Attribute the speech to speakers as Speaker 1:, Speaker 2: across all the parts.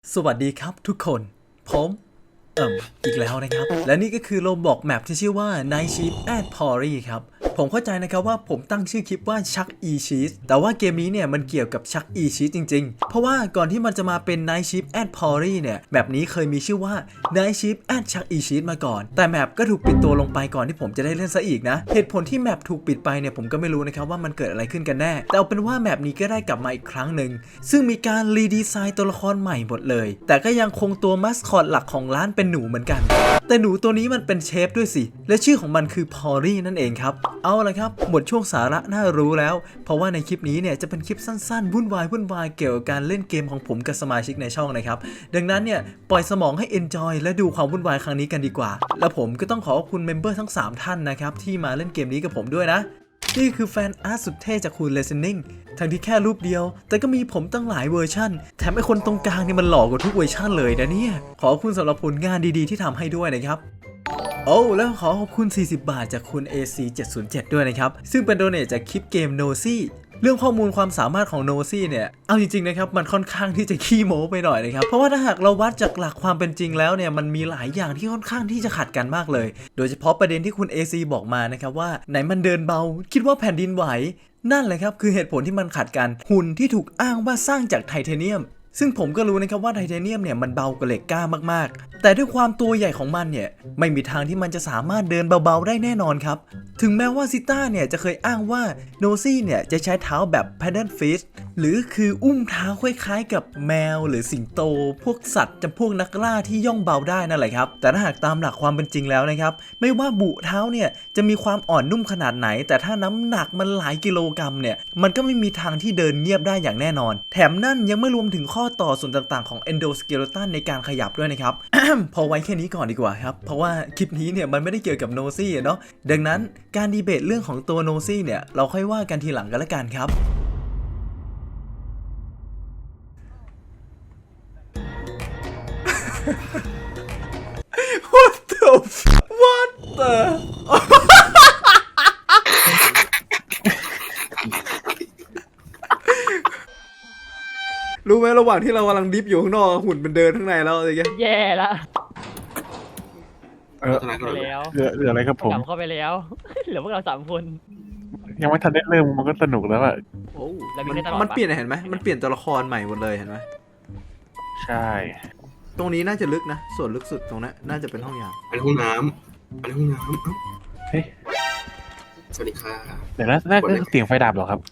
Speaker 1: สวัสดีครับทุกคนผมอีกแล้วนะครับและนี่ก็คือโรบอกแมปที่ชื่อว่า Night Shift at Pori ครับผมเข้าใจนะครับว่าผมตั้งชื่อคลิปว่า Chuck E Cheese แต่ว่าเกมนี้เนี่ยมันเกี่ยวกับ Chuck E Cheese จริงๆเพราะว่าก่อนที่มันจะมาเป็น Night Shift at Pori เนี่ยแมปนี้เคยมีชื่อว่า Night Shift at Chuck E Cheese มาก่อนแต่แมปก็ถูกปิดตัวลงไปก่อนที่ผมจะได้เล่นซะอีกนะเหตุผลที่แมปถูกปิดไปเนี่ยผมก็ไม่รู้นะครับว่ามันเกิดอะไรขึ้นกันแน่แต่เอาเป็นว่าแมปนี้ก็ได้กลับมาอีกครั้งหนึ่งซึ่งมีการรีดีไซน์ตัวละครใหม่หมดเลยแต่ก็ยังคงตัวมัสคอตหลักของร้านเป็นหนูเหมือนกันแต่หนูตัวนี้มันเป็นเชฟด้วยสิและชื่อของมันคือพอรี่นั่นเองครับเอาละครับหมดช่วงสาระน่ารู้แล้วเพราะว่าในคลิปนี้เนี่ยจะเป็นคลิปสั้นๆวุ่นวายเกี่ยวกับการเล่นเกมของผมกับสมาชิกในช่องนะครับดังนั้นเนี่ยปล่อยสมองให้ enjoy และดูความวุ่นวายครั้งนี้กันดีกว่าแล้วผมก็ต้องขอบคุณเมมเบอร์ทั้ง3ท่านนะครับที่มาเล่นเกมนี้กับผมด้วยนะนี่คือแฟนอาร์ตสุดเท่จากคุณ Listening ทั้งที่แค่รูปเดียวแต่ก็มีผมตั้งหลายเวอร์ชั่นแถมไอคนตรงกลางนี่มันหล่อกว่าทุกเวอร์ชั่นเลยนะเนี่ยขอบคุณสำหรับผลงานดีๆที่ทำให้ด้วยนะครับโอ้แล้วขอขอบคุณ40 บาทจากคุณ AC707 ด้วยนะครับซึ่งเป็นโดเนทจากคลิปเกม Nosy เรื่องข้อมูลความสามารถของ Nosy เนี่ยเอาจริงๆนะครับมันค่อนข้างที่จะขี้โม้ไปหน่อยนะครับเพราะว่าถ้าหากเราวัดจากหลักความเป็นจริงแล้วเนี่ยมันมีหลายอย่างที่ค่อนข้างที่จะขัดกันมากเลยโดยเฉพาะประเด็นที่คุณ AC บอกมานะครับว่าไหนมันเดินเบาคิดว่าแผ่นดินไหวนั่นแหละครับคือเหตุผลที่มันขัดกันหุ่นที่ถูกอ้างว่าสร้างจากไทเทเนียมซึ่งผมก็รู้นะครับว่าไทเทเนียมเนี่ยมันเบากว่าเหล็กกล้ามากๆแต่ด้วยความตัวใหญ่ของมันเนี่ยไม่มีทางที่มันจะสามารถเดินเบาๆได้แน่นอนครับถึงแม้ว่าซิต้าเนี่ยจะเคยอ้างว่าโนซี่เนี่ยจะใช้เท้าแบบ paddle fish หรือคืออุ้มเท้าคล้ายๆกับแมวหรือสิงโตพวกสัตว์จำพวกนักล่าที่ย่องเบาได้นั่นแหละครับแต่ถ้าหากตามหลักความเป็นจริงแล้วนะครับไม่ว่าบุเท้าเนี่ยจะมีความอ่อนนุ่มขนาดไหนแต่ถ้าน้ำหนักมันหลายกิโลกรัมเนี่ยมันก็ไม่มีทางที่เดินเงียบได้อย่างแน่นอนแถมนั่นยังไม่รวมถึงข้อต่อส่วนต่างๆของ endoskeleton ในการขยับด้วยนะครับ พอไว้แค่นี้ก่อนดีกว่าครับเพราะว่าคลิปนี้เนี่ยมันไม่ได้เกี่ยวกับโนซี่เนาะดังนั้นการดีเบตเรื่องของตัวโนซี่เนี่ยเราค่อยว่ากันทีหลังกันละกันครับ What the What the รู้ไหมระหว่างที่เรากำลังดิฟอยู่ข้างนอกหุ่นเป็นเดินข้างในแล้วอะไรเงี้ย
Speaker 2: แย่ละ
Speaker 3: ไปแล้วเหลืออะไรครับผม
Speaker 2: กลับเข้าไปแล้ว เหลือพวกเรา3 คน
Speaker 3: ยังไม่ทันได้เริ่มมันก็สนุกแล้วอะ
Speaker 1: โอ้
Speaker 2: แล้วมีได้ตลอดปะ
Speaker 1: มันเปลี่ยนเห็นไหมมันเปลี่ยนตัวละครใหม่หมดเลยเห็นไหม
Speaker 3: ใช่
Speaker 1: ตรงนี้น่าจะลึกนะส่วนลึกสุดตรงนั้นน่าจะเป็นห้องยาม
Speaker 4: อันนี้ห้องน้ำอันนี้ห้องน้ำเอ้า
Speaker 3: เฮ้ย
Speaker 4: สวัสดีค่ะ
Speaker 3: เดี๋ยวน่าจะเสียงไฟดับเหรอครับ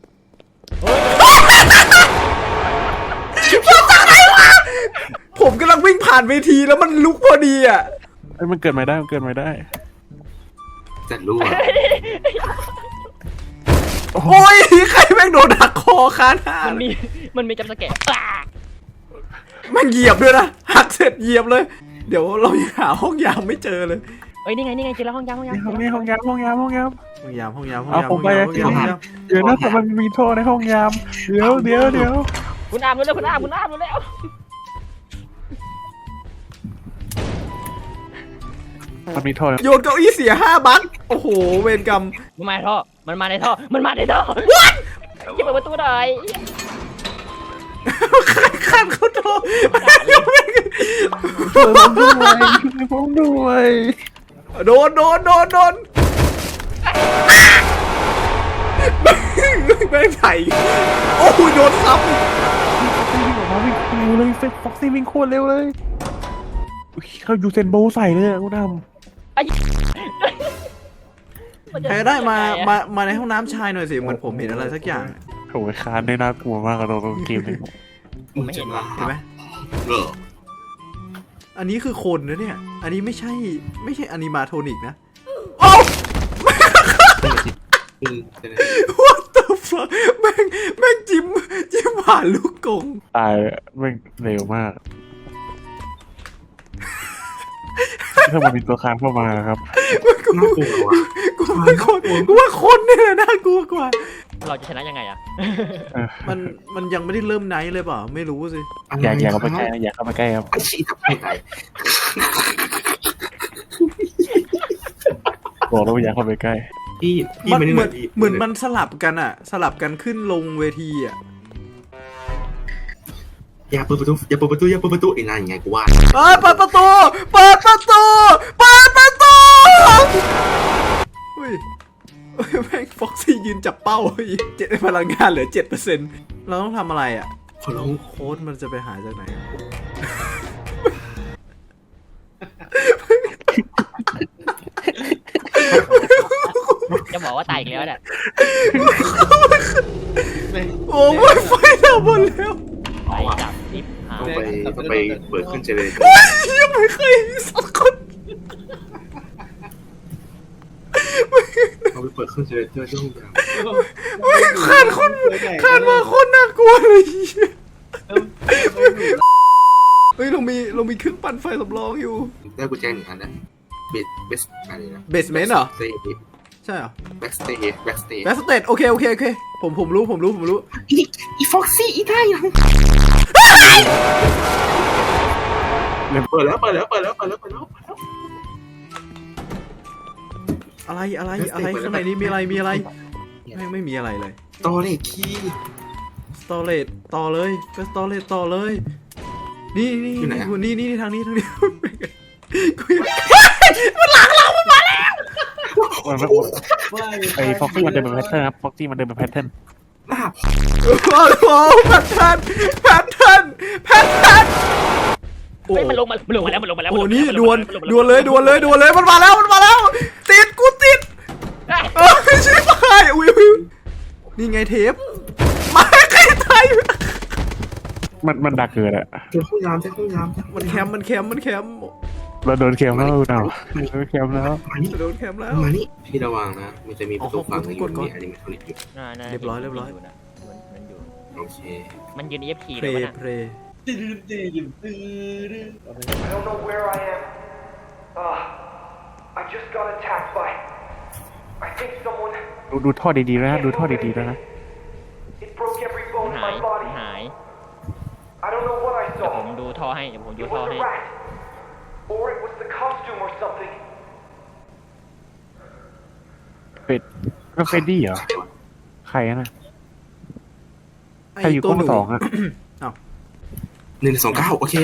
Speaker 1: ผมกำลังวิ่งผ่านเวทีแล้วมันลุกพอดีอ่ะ
Speaker 3: เอ้ยมันเกิดมาได้มันเกิดมาได้
Speaker 4: จัดรั่ว
Speaker 1: โอ้ยใครแม่งโดนหักคอคาหน้า
Speaker 2: มันมีจับสแกะปลา
Speaker 1: แม่งเหยียบด้วยนะหักเสร็จเหยียบเลยเดี๋ยวเรายังหาห้องยามไม่เจอเลย
Speaker 2: เอ้ยนี่ไงเจอแล้วห้องยาม
Speaker 3: นี่ห้องยาม
Speaker 1: ห้องยาม
Speaker 3: เอาผมไปเดี๋ยวนะแต่มันมีโทษในห้องยามเดี๋ยว
Speaker 2: คุณอามรู้แล้วคุณอามรู้แล้ว
Speaker 3: มันมีโทษ
Speaker 1: โยนเก้าอี้เสีย5 บัคโอ้โหเวรกรรม
Speaker 2: มันมาในท่ออย่าเปิดประตูหน่อย
Speaker 1: ขันเขาโทร
Speaker 3: ผมด้วย
Speaker 1: โดนแม่งไถ่โอ้โหโดนซ้ำ
Speaker 3: วิ่งออกมาวิ่งเร็วเลยฟ็อกซี่วิ่งโคตรเร็วเลยเขายูเซนโบใส่เลยอะคุณดำ
Speaker 1: ใครได้มาในห้องน้ำชายหน่อยสิเหมือนผมเห็นอะไรสักอย่าง
Speaker 3: โอ้ยคานได้น่ากลัวมากกับตัวเกมนี้
Speaker 2: ผมไม่เห็นว่ะ
Speaker 1: เห็นไหม
Speaker 4: เหรอ
Speaker 1: อันนี้คือคนนะเนี่ยอันนี้ไม่ใช่อนิมาโทนิกนะโอ้ What the fuck แม่งจิ้มผ่านลูกกง
Speaker 3: ตายแม่งเร็วมากถ้ามันมีตัวคานเข้ามาครับ
Speaker 4: น่ากลัวว่ะ
Speaker 1: กูว่าคนนี่แหละน่ากลัวกว่า
Speaker 2: เราจะชนะยังไงอะ
Speaker 1: มันยังไม่ได้เริ่มไนท์เลยเปล่าไม่รู้สิ
Speaker 3: อย่าเข้าไปใกล้นะอย่าเข้าไปใกล้ครับ
Speaker 4: ไอ้ชี้ทับให้ตาย
Speaker 3: บอกแล้วว่าอย่าเข้าไปใกล้
Speaker 4: พี่
Speaker 1: มัน
Speaker 4: ไม่ได้
Speaker 1: เหมือนมันสลับกันอะสลับกันขึ้นลงเวทีอะ
Speaker 4: อย่าเปิดประตูอย่าเปิดประตูอย่าเปิดประตูไอ้นั่นไงกูว่า
Speaker 1: เปิดประตูเปิดประตูเปิดประตูเฮ้ยแม่งฟ็อกซี่ยืนจับเป้าเจ็ดพลังงานเหลือ 7%เราต้องทำอะไรอ่ะ
Speaker 4: ขอร้อง
Speaker 1: โค้ดมันจะไปหาจากไหนอะ
Speaker 2: จะบอกว่าตายอีกแล้วเนี่ย
Speaker 1: โอ้ยไฟดับหมดแล้ว
Speaker 2: ไปจับทิปหา
Speaker 4: ต้องไปเปิดขึ้นเจเลย
Speaker 1: ยังไม่เคยมีสักคน
Speaker 4: ต้องไปเปิดขึ้นเจเลยช่วงกลาง
Speaker 1: ขาดคนขาดมาคนน่ากลัวเลยเฮ้ยเรามีเครื่องปั่นไฟสำรองอยู่
Speaker 4: ได้กุญแจหนึ่งอันนะเบสอะไรนะ
Speaker 1: เบสเมนต์เหรอ
Speaker 4: สเตย์
Speaker 1: ใช่เหรอ
Speaker 4: แบ็กสเตย์แบ็กสเตย์
Speaker 1: แบสเตดโอเคผมรู้
Speaker 4: อีฟ็อกซี่อีได้ยังเปิดแล้ว
Speaker 1: อะไรข้างในนี้มีอะไรแม่งไม่มีอะไรเลย
Speaker 4: ต่อเลยคีย์
Speaker 1: สตอเรจต่อเลยไปสตอเรจต่อเลยนี่ทางนี้
Speaker 3: ไอ้ฟ็อกซี่มันเดินเป็นแพทเทิร์นครับฟ็อกซี่มันเดินเป็นแพทเทิร์น
Speaker 4: หน้า
Speaker 1: โอ้โหแพทเทิร์นโอ้
Speaker 2: เฮ้ยมันลงมาแล้ว
Speaker 1: โหนี่ดวนเลยมันมาแล้วติดกูติดชิบหายอุ้ยนี่ไงเทปมาใครตาย
Speaker 3: มันดักเกิดอะ
Speaker 4: เจอห้องน้ำ
Speaker 1: มันแคมป์
Speaker 3: เราโดนแคมแล้วเราโดนแคมแล้ว
Speaker 4: มานี่
Speaker 1: โดนแคมป์แล้ว
Speaker 4: มานี่พี่ระวังนะมันจะมีประตูฝั่งนึงอยู่มีอนิเมทรอนิกอยู่
Speaker 1: เรียบร้อย
Speaker 2: มันอยู่
Speaker 4: โอเค
Speaker 2: มันยืน EFP
Speaker 1: เพ
Speaker 2: เลย
Speaker 1: ล
Speaker 2: วะน่ะ
Speaker 1: เพล
Speaker 5: I don't know where I am. I just got attacked by. I think someone.
Speaker 3: ดูท่อดีๆแล้วนะดูท่อดีๆแล้วนะ
Speaker 5: It broke every
Speaker 2: มัน
Speaker 5: bone in
Speaker 2: หาย
Speaker 5: my body.
Speaker 2: หาย
Speaker 5: I don't know what I
Speaker 2: เดี๋ยวผม
Speaker 5: saw.
Speaker 2: ดูท่อให้เดี๋ยวผมดู
Speaker 5: It
Speaker 2: ท่อ
Speaker 5: was
Speaker 2: ให้
Speaker 5: a rat, or it was the costume or something.
Speaker 3: เป็ดก็เฟดดี้เหรอใครนะใครอยู่
Speaker 1: ตัว
Speaker 3: กล้องสองอะ
Speaker 4: 129โอเค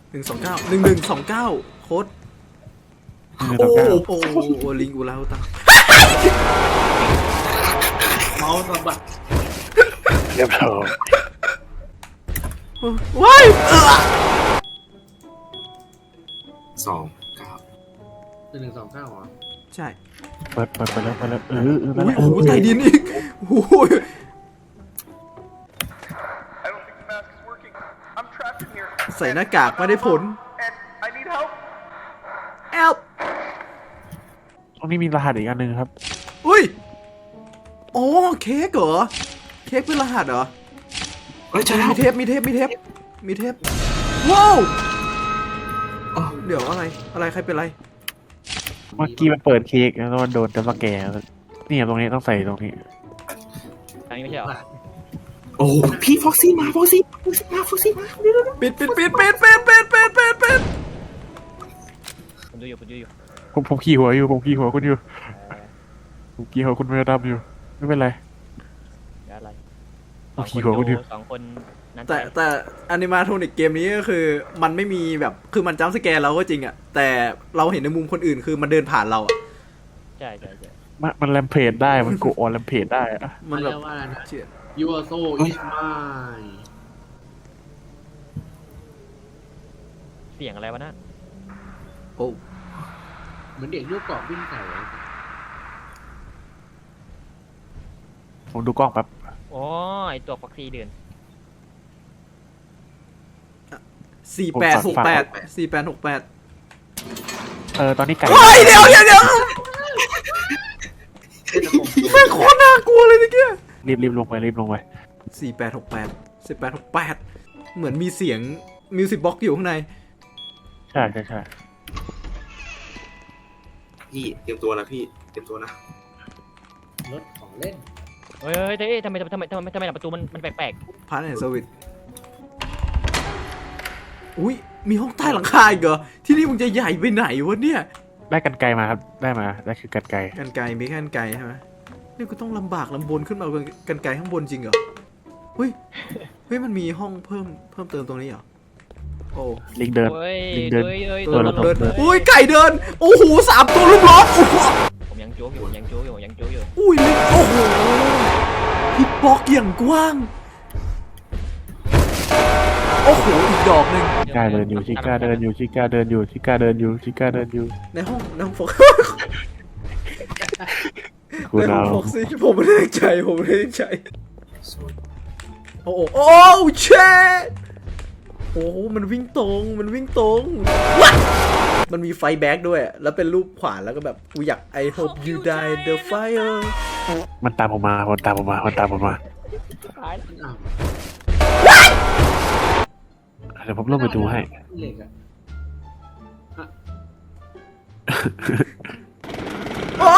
Speaker 1: 1129โค้ดโอ้ลิงกูแล้วตัง
Speaker 3: เรียบร้อย
Speaker 1: ว้าย
Speaker 4: 29
Speaker 1: ใช่
Speaker 3: เปิดแล้วนั่นแหละ
Speaker 1: โอ้โหใต้ดินอีกโอ้โห
Speaker 5: I don't think the mask is working. I'm trapped in here.
Speaker 1: ใส่หน้ากากไม่ได้ผล
Speaker 5: And I need help.
Speaker 1: แอล
Speaker 3: ตรงนี้มีรหัสอีกอันหนึ่งครับ
Speaker 1: อุ้ยอ๋อเค้กเหรอเค้กเป็นรหัสเหรอ
Speaker 4: เฮ้ยเจอแล้ว
Speaker 1: มีเทปว้าว
Speaker 4: อ๋อ
Speaker 1: เดี๋ยวอะไรใครเป็นไร
Speaker 3: เมื่อกี้มันเปิดเค้กแล้วมันโดนแต่มาแก่นี่ตรงนี้ต้องใส่ตรงนี้
Speaker 2: ทางนี้ไม่ใช่เหรอ
Speaker 4: โอ้พี่ฟ็อกซี่มาเร็ว
Speaker 1: ปิด
Speaker 2: ผมดูอยู่
Speaker 3: ผมขี่หัวคุณอยู่ผมขี่หัวคุณไม่ดำอยู่ไม่เป็นไร
Speaker 2: เดี๋ยวอะไร
Speaker 3: ผมขี่หัวคุณอยู่
Speaker 2: สองคนนั้น
Speaker 1: แต่อนิมาโทนิกเกมนี้ก็คือมันไม่มีแบบคือมันจัมป์สแกร์เราก็จริงอะแต่เราเห็นในมุมคนอื่นคือมันเดินผ่านเราอะ
Speaker 2: ใช่
Speaker 3: มันแรมเพจได้มันโกออนแรมเพจได้อะ
Speaker 1: มันแบบ
Speaker 6: ว่าอะไรนะ
Speaker 1: เชี่ย
Speaker 6: You are so is mine
Speaker 2: เสียงอะไรวะน่ะ
Speaker 1: โอ้
Speaker 6: เหมือนเด็กลูกกรอกวิ่งใส่อะ
Speaker 3: ผมดูกล้องแป๊บ
Speaker 2: อ๋อไอตัวฟ็อกซี่เดิน
Speaker 1: 4868
Speaker 3: ตอนนี้ไก่
Speaker 1: เฮ้ยเดี๋ยวแม่งโคตรน่ากลัวเลยเมื่อกี้
Speaker 3: รีบลงไป
Speaker 1: 1868เหมือนมีเสียงมิวสิกบ็อกอยู่ข้างใน
Speaker 3: ใช่
Speaker 4: พี่เตรียมตัวนะพี่เตรียมตัวนะ
Speaker 6: รถของเล่น
Speaker 2: เฮ้ยทำไมประตูมันแปลก
Speaker 1: พาร์ทแอนด์เซอร์วิสอุ้ยมีห้องใต้หลังคาอีกเหรอที่นี่มึงจะใหญ่ไปไหนวะเนี่ย
Speaker 3: ได้กันไกลมาครับได้คือกันไกล
Speaker 1: กันไกลมีแค่กันไกลใช่ไหมนี่กูต้องลำบากลำบนขึ้นมากันไกลข้างบนจริงเหรอเฮ้ยเฮ้ยมันมีห้องเพิ่มเติมตรงนี้เหรอโอ้
Speaker 3: ลิงเดิน
Speaker 2: เฮ้ย
Speaker 3: ลิงเดิน
Speaker 2: เฮ้ย
Speaker 3: เดิน
Speaker 1: เดิน
Speaker 3: เดิน
Speaker 1: อุ้ยไก่เดินโอ้โห3 ตัวลูกล้อโอ้โห
Speaker 2: ผมยังโจ๊กอยู่ผมยังโจ๊กอยู่ผมยังโจ๊กอยู่
Speaker 1: อุ้ยลิงโอ้โหฮิตบ็อกอย่างกว้างโอ้โหอีกดอกหนึ่ง
Speaker 3: ชิก้าเดินอยู่ชิก้าเดินอยู่ชิก้าเดินอยู่ชิก้าเดินอยู่ชิก้าเดินอยู่
Speaker 1: ในห้องโฟก
Speaker 3: คุณ
Speaker 1: ในห้อ
Speaker 3: เอา
Speaker 1: งโฟกซี่ผมไม่ได้ตั้งใจโอ้โหโอ้เชดโอ้โหมันวิ่งตรงว้ามันมีไฟแบ็กด้วยแล้วเป็นรูปขวานแล้วก็แบบกูอยาก I hope you die in the fire
Speaker 3: มันตามผมมามันตามผมมามันตามผมมา
Speaker 2: ตายแล้ว
Speaker 6: อ้าว
Speaker 3: เดี๋ยวผมลงไปดูให้
Speaker 6: เหล็กอะ
Speaker 1: อ้า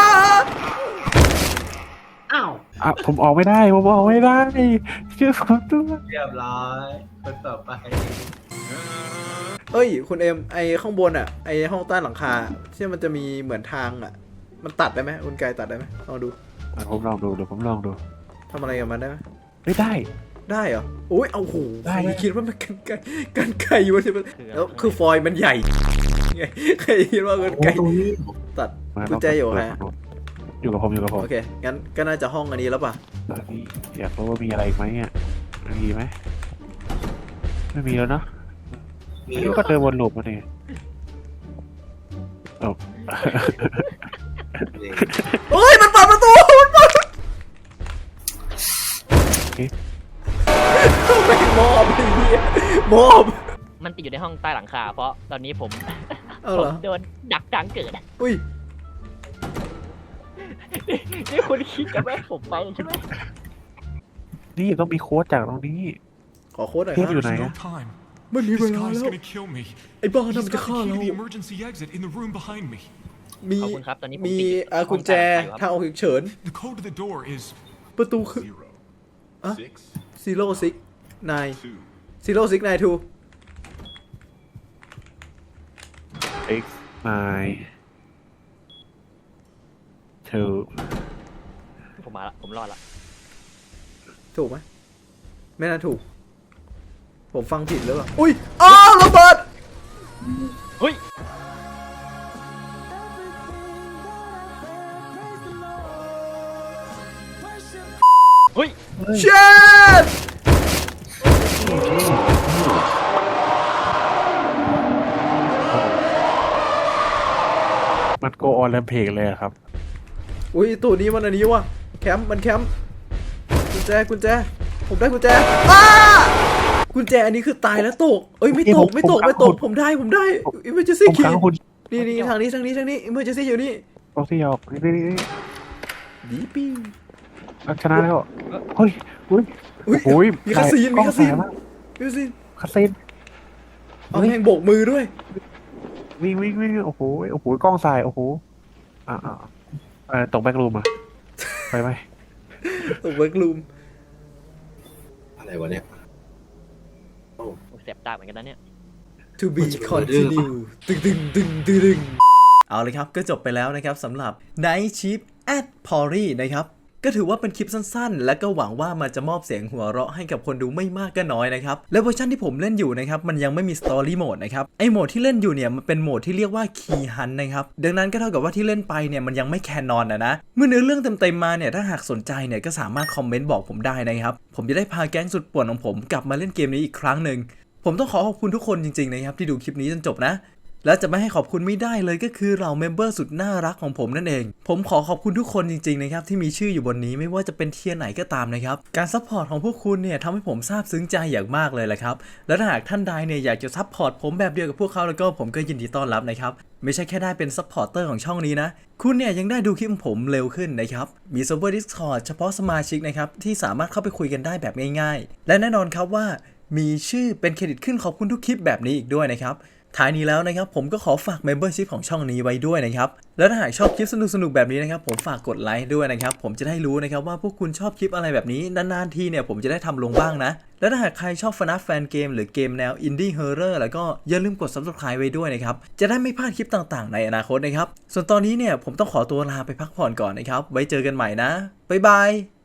Speaker 6: อ้าว
Speaker 3: อ่ะผมออกไม่ได้ผมออกไม่ได้เชื่อผมด้วย
Speaker 6: เรียบร้อยคนต่อไป
Speaker 1: เอ้ยคุณเอ็มไอข้างบนอ่ะไอห้องใต้หลังคาที่มันจะมีเหมือนทางอ่ะมันตัดได้ไหมคุณกายตัดได้ไหมลองดู
Speaker 3: อ่ะผมลองดูเดี๋ยวผมลองดู
Speaker 1: ทำอะไรกับมันได้ไหม
Speaker 3: ไม่ได้
Speaker 1: ได้เหรอโอ้ยเอาโห
Speaker 3: ได้
Speaker 1: ใครคิดว่ามันกันไก่วะใช่ไหมแล้วคือฟอยล์มันใหญ่ไงใครคิดว่ากันไก่ตัด
Speaker 3: มา
Speaker 1: กุญแจอยู่ไหน
Speaker 3: อยู่กับผมอยู่กับผม
Speaker 1: โอเคงั้นก็น่าจะห้องอันนี้แล้วป่ะ
Speaker 3: ตอนนี้อยากรู้ว่ามีอะไรอีกไหมอ่ะมีไหมไม่มีแล้วเนาะ
Speaker 4: มี
Speaker 3: นี่ก็เดินวนลูปมาเนี่ยโอ้
Speaker 1: เฮ้ยมันเปิดประตูมันเปิดไม่มอบไอ้เหี้ยมอบ
Speaker 2: มันติดอยู่ในห้องใต้หลังคาเพราะตอนนี้ผม
Speaker 1: เอา
Speaker 2: ผ
Speaker 1: เหร
Speaker 2: ม
Speaker 1: อ
Speaker 2: โดนดักกลางเกิดอะ
Speaker 1: อุ้ย
Speaker 2: นี่คุณคิดจะแม่ผมไปใช่ไหม
Speaker 3: นี่ต้องมีโค้ดจากตรงนี้
Speaker 1: ขอโค้ดหน่อย
Speaker 3: เท
Speaker 1: ค
Speaker 3: พ
Speaker 1: รับ
Speaker 3: อยู่ไหน
Speaker 7: There's
Speaker 3: อะ
Speaker 7: no time.
Speaker 1: ไม่มีเว
Speaker 7: This
Speaker 1: ลา
Speaker 7: guy's
Speaker 1: แล้ว
Speaker 7: gonna kill me.
Speaker 1: ไอ้บ้านั่น
Speaker 7: He's
Speaker 1: มันจะ
Speaker 7: got
Speaker 1: ฆ่า
Speaker 7: the
Speaker 1: เรา
Speaker 7: key to the emergency exit in the room behind me.
Speaker 1: มี
Speaker 2: ขอบคุณครับตอนนี้ผม
Speaker 1: มี
Speaker 2: ติด
Speaker 1: กุญแจทางออกฉุกเฉิน
Speaker 7: The code to the door is
Speaker 1: ประตูคือ Huh?
Speaker 7: 0,
Speaker 1: 0 6 9
Speaker 7: 2.
Speaker 1: 0 6 9 2
Speaker 3: X 9 2
Speaker 2: ผมมาละผมรอดละ
Speaker 1: ถูกไหมไม่น่าถูก ผมฟังผิดหรือเปล่าอุ้ยอ้าวระเบิด
Speaker 2: เฮ้ย เฮ้ย
Speaker 1: เช็ด
Speaker 3: มันโกออนแลมเพกเลยอะครับ
Speaker 1: อุ้ยตัวนี้มันอันนี้ว่ะแคมป์มันแคมป์กุญแจผมได้กุญแจอ้ากุญแจอันนี้คือตายแล้วตกเอ้ยไม่ตก ผมได้อิมเมอร์เจนซี่
Speaker 3: ผม
Speaker 1: คี
Speaker 3: ค้างคุณ
Speaker 1: นี่ทางนี้อิมเมอร์เจนซี่อยู่นี่
Speaker 3: โอซี่ออกนี่
Speaker 1: ดีปี้
Speaker 3: ชนะแล้วเฮ้ยอุ้ย
Speaker 1: อุ้ย
Speaker 3: โอ้ย
Speaker 1: มีคาซีน
Speaker 3: กล้องถ่ายมาก คาซีน
Speaker 1: เอาแหงโบกมือด้วย
Speaker 3: วิ่งโอ้โหกล้องสายโอ้โหตกแบ็กรูมอะไปไหม
Speaker 1: ตกเวิร์กรูม
Speaker 4: อะไรวะเนี่ย
Speaker 2: ผมเสียบตาเหมือนกันนะเนี่ย
Speaker 1: to be continue ตึงเอาเลยครับก็จบไปแล้วนะครับสำหรับ Night Shift at Pori นะครับก็ถือว่าเป็นคลิปสั้นๆ และก็หวังว่ามันจะมอบเสียงหัวเราะให้กับคนดูไม่มากก็น้อยนะครับและเวอร์ชันที่ผมเล่นอยู่นะครับมันยังไม่มี Story Mode นะครับไอโหมดที่เล่นอยู่เนี่ยมันเป็นโหมดที่เรียกว่า Key Hunt นะครับดังนั้นก็เท่ากับว่าที่เล่นไปเนี่ยมันยังไม่แคนนอนนะเมื่อเนื้อเรื่องเต็มๆมาเนี่ยถ้าหากสนใจเนี่ยก็สามารถคอมเมนต์บอกผมได้นะครับผมจะได้พาแก๊งสุดป่วนของผมกลับมาเล่นเกมนี้อีกครั้งหนึ่งผมต้องขอบคุณทุกคนจริงๆนะครับที่ดูคลิปนี้จนจบนะและจะไม่ให้ขอบคุณไม่ได้เลยก็คือเราเมมเบอร์สุดน่ารักของผมนั่นเองผมขอขอบคุณทุกคนจริงๆนะครับที่มีชื่ออยู่บนนี้ไม่ว่าจะเป็นเทียร์ไหนก็ตามนะครับการซัพพอร์ตของพวกคุณเนี่ยทำให้ผมซาบซึ้งใจอย่างมากเลยแหละครับและถ้าหากท่านใดเนี่ยอยากจะซัพพอร์ตผมแบบเดียวกับพวกเขาแล้วก็ผมก็ยินดีต้อนรับนะครับไม่ใช่แค่ได้เป็นซัพพอร์เตอร์ของช่องนี้นะคุณเนี่ยยังได้ดูคลิปของผมเร็วขึ้นนะครับมีเซิร์ฟเวอร์ Discord เฉพาะสมาชิกนะครับที่สามารถเข้าไปคุยกันได้แบบง่ายๆและแน่นอนครับว่ามีชื่อเป็นเครดิตขึ้นขอบคุณทุกคลิปแบบนี้อีกด้วยนะครับท้ายนี้แล้วนะครับผมก็ขอฝาก Membership ของช่องนี้ไว้ด้วยนะครับแล้วถ้าหากชอบคลิปสนุกๆแบบนี้นะครับผมฝากกดไลค์ด้วยนะครับผมจะได้รู้นะครับว่าพวกคุณชอบคลิปอะไรแบบนี้นานๆทีเนี่ยผมจะได้ทำลงบ้างนะแล้วถ้าหากใครชอบ FNAF แฟนเกมหรือเกมแนว Indie Horror แล้วก็อย่าลืมกด Subscribe ไว้ด้วยนะครับจะได้ไม่พลาดคลิปต่างๆในอนาคตนะครับส่วนตอนนี้เนี่ยผมต้องขอตัวลาไปพักผ่อนก่อนนะครับไว้เจอกันใหม่นะบ๊ายบาย